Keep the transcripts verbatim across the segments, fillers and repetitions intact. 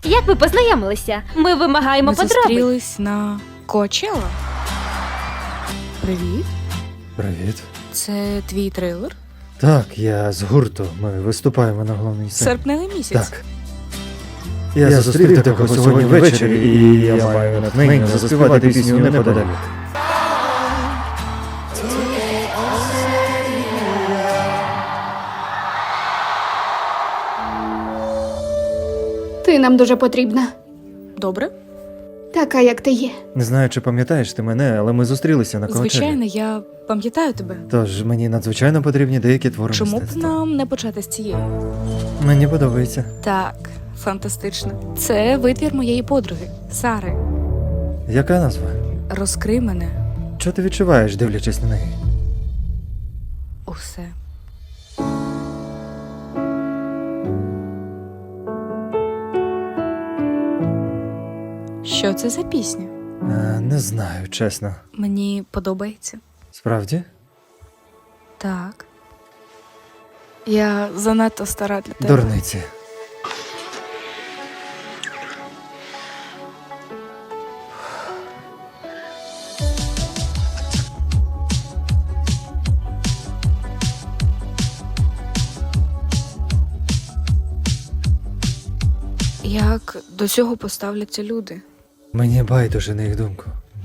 Як ви познайомилися? Ми вимагаємо Ми подробиць. зустрілись на Коачелла. Привіт. Привіт. Це твій трейлер? Так, я з гурту. Ми виступаємо на головній сцені. Серпневий місяць. Так. Я, я зустрів такого сьогодні ввечері, і я маю натхнення заспівати пісню неподалік. Ти нам дуже потрібна. Добре? Така, як ти є. Не знаю, чи пам'ятаєш ти мене, але ми зустрілися на Коачеллі. Звичайно, я пам'ятаю тебе. Тож мені надзвичайно потрібні деякі твори Чому б мистецтва. нам не почати з цієї? Мені подобається. Так, фантастично. Це витвір моєї подруги Сари. Яка назва? Розкрий мене. Що ти відчуваєш, дивлячись на неї? Усе. Що це за пісня? А, не знаю, чесно. Мені подобається. Справді? Так. Я занадто стара для тебе. Дурниці. Як до цього поставляться люди? Мені байдуже на їх думку.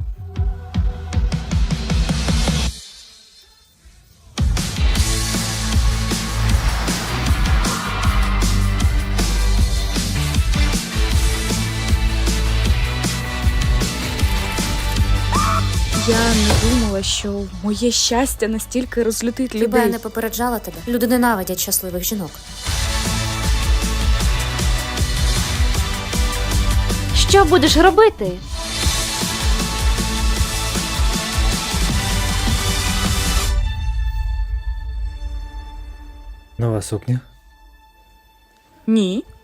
Я не думала, що моє щастя настільки розлютить Хіба людей. я не попереджала тебе? Люди ненавидять щасливих жінок. Що будеш робити? Нова сукня? Ні.